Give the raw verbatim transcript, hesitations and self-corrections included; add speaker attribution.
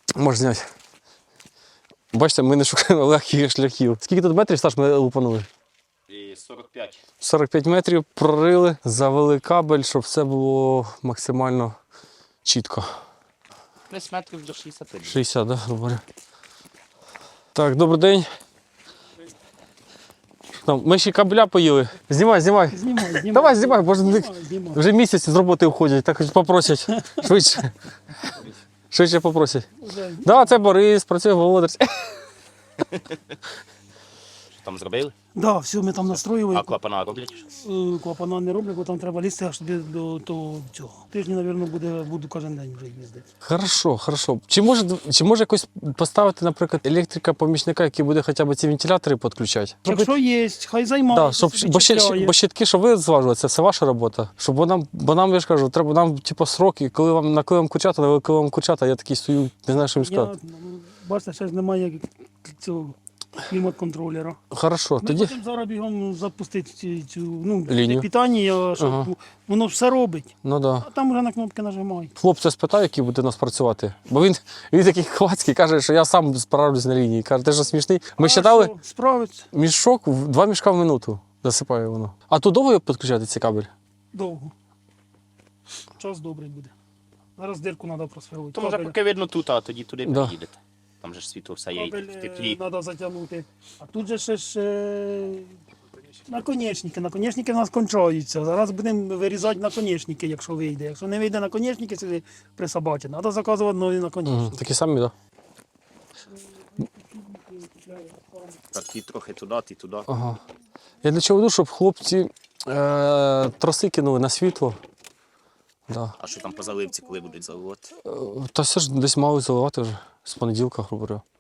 Speaker 1: Можеш зняти. Бачите, ми не шукаємо легких шляхів. Скільки тут метрів, Саш, ми лупанули?
Speaker 2: сорок п'ять.
Speaker 1: сорок п'ять метрів прорили, завели кабель, щоб все було максимально чітко.
Speaker 2: Десь метрів до шістдесяти.
Speaker 1: шістдесят, так, да, говорю. Так, добрий день. Там, ми ще кабеля поїли. Знімай, знімай.
Speaker 3: Знімай, знімай.
Speaker 1: Давай, знімай, бо ж не-
Speaker 3: Знімай, знімай.
Speaker 1: вже місяць з роботи входять, так хоч попросять. Швидше. Швидше попросять.
Speaker 3: Вже
Speaker 1: Так, да, це Борис, працює володар.
Speaker 2: Що там зробили?
Speaker 3: Да, все, ми там настроїли.
Speaker 2: А клапана роблять?
Speaker 3: Е, Клапана не роблять, бо там треба лізти аж туди до того цього. Тижні, мабуть, буде, буду кожен день вже їздити.
Speaker 1: Хорошо, хорошо. Чи може, чи може якось поставити, наприклад, електрика-помічника, який буде хоча б ці вентилятори підключати?
Speaker 3: Якщо є, хай займається.
Speaker 1: Да, щоб,
Speaker 3: собі
Speaker 1: бо, ще,
Speaker 3: чіпляє.
Speaker 1: бо щитки, що ви зважували, це все ваша робота. Щоб бо нам, бо нам, я ж кажу, треба нам типу, сроки, коли вам на коли вам курчата, на коли вам курчата, я такий стою, не знаю, що їм
Speaker 3: Я,
Speaker 1: сказати.
Speaker 3: ну, бачите, ще ж немає цього клімат-контролера.
Speaker 1: Хорошо,
Speaker 3: Ми
Speaker 1: тоді.
Speaker 3: хочемо зараз бігом запустити цю, цю ну,
Speaker 1: Лінію.
Speaker 3: питання, щоб
Speaker 1: Ага.
Speaker 3: воно все робить.
Speaker 1: Ну да.
Speaker 3: А там вже на кнопки нажимай.
Speaker 1: Хлопця спитаю, який буде у нас працювати. Бо він, він такий хвацький, каже, що я сам справлюсь на лінії. Каже, ти ж смішний. Ми
Speaker 3: А
Speaker 1: считали
Speaker 3: що, справиться
Speaker 1: мішок, в- два мішка в минуту засипає воно. А тут довго підключати цей кабель?
Speaker 3: довго. Час добрий буде. Зараз дирку треба просверлити.
Speaker 2: То може
Speaker 3: Кабель-
Speaker 2: поки видно тут, а тоді туди
Speaker 1: Да.
Speaker 2: приїдете. Там же ж світло все є
Speaker 3: Кабель
Speaker 2: в теплі.
Speaker 3: треба затягнути. А тут же ще ж е, наконечники. Наконечники в нас кончаються. Зараз будемо вирізати наконечники, якщо вийде. Якщо не вийде наконечники, сюди присобачити. Треба заказувати нові
Speaker 1: Угу.
Speaker 3: наконечники.
Speaker 1: Такі самі, так?
Speaker 2: Так, ті трохи туди, ті туди.
Speaker 1: Ага. Я для чого веду, щоб хлопці е, троси кинули на світло. Да.
Speaker 2: А що там по заливці, коли будуть заливати?
Speaker 1: Е, Та все ж десь мали заливати вже з понеділка, грубо говоря.